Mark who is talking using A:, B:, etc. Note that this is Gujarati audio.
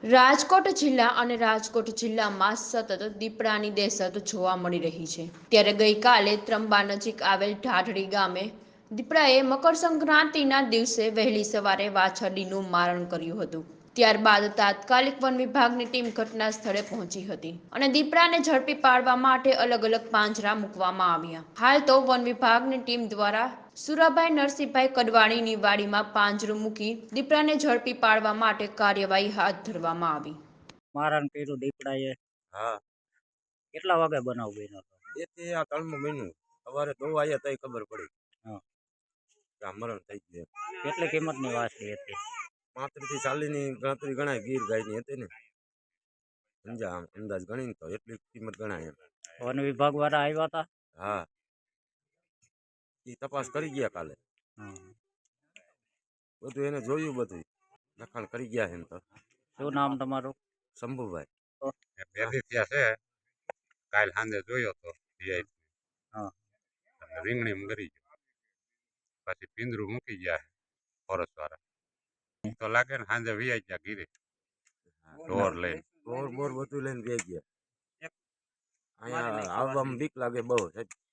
A: રાજકોટ જિલ્લા અને રાજકોટ જિલ્લામાં સતત દીપડાની દહેશત જોવા મળી રહી છે। ત્યારે ગઈકાલે ત્રંબા નજીક આવેલ ઢાઢડી ગામે દીપડાએ મકર સંક્રાંતિના દિવસે વહેલી સવારે વાછરડીનું મારણ કર્યું હતું। ત્યારબાદ તાત્કાલિક વન વિભાગની ટીમ ઘટના સ્થળે પહોંચી હતી અને દીપડાને ઝડપી પાડવા માટે અલગ અલગ પાંજરા મૂકવામાં આવ્યા। હાલ તો વન વિભાગની ટીમ દ્વારા સુરાભાઈ નરસિંહભાઈ કડવાણીની વાડીમાં પાંજરું મૂકી દીપડાને ઝડપી પાડવા માટે કાર્યવાહી હાથ ધરવામાં આવી।
B: મારણ કર્યું દીપડાએ।
C: હા,
B: કેટલા વાગે બનાવ બન્યો હતો?
C: એથી આ 3મું મહિનું સવારે દોવા આવ્યા તઈ ખબર પડી
B: હા,
C: કે આ મરણ થઈ ગયું।
B: કેટલી કિંમતની વાછડી હતી?
C: 35 થી 40 ની ગણતરી ગણાય, ગીર ગાયની હતી ને સમજા અંદાજ ગણીને તો એટલી કિંમત ગણાય એમ।
B: વન વિભાગ વાળા આવ્યા હતા?
C: હા, એ તપાસ કરી ગયા કાલે,
B: હા।
C: બધું એને જોયું, બધું લખાણ કરી ગયા એમ તો।
B: શું નામ તમારું?
C: શંભુભાઈ।
D: પહેલી ત્યાં છે, કાલ સાંજે જોયો તો
B: હા,
D: રીંગણી મરી ગયો, પછી પિંજરું મૂકી ગયા ફોરેસ્ટ વાળા તો લાગે ને સાંજે વિયાઈ ગયા ગીરે ઢોર લઈને
C: બોર બોર બધું લઈને બે ગયા। અહીંયા આવવામાં બીક લાગે બહુ સાહેબ।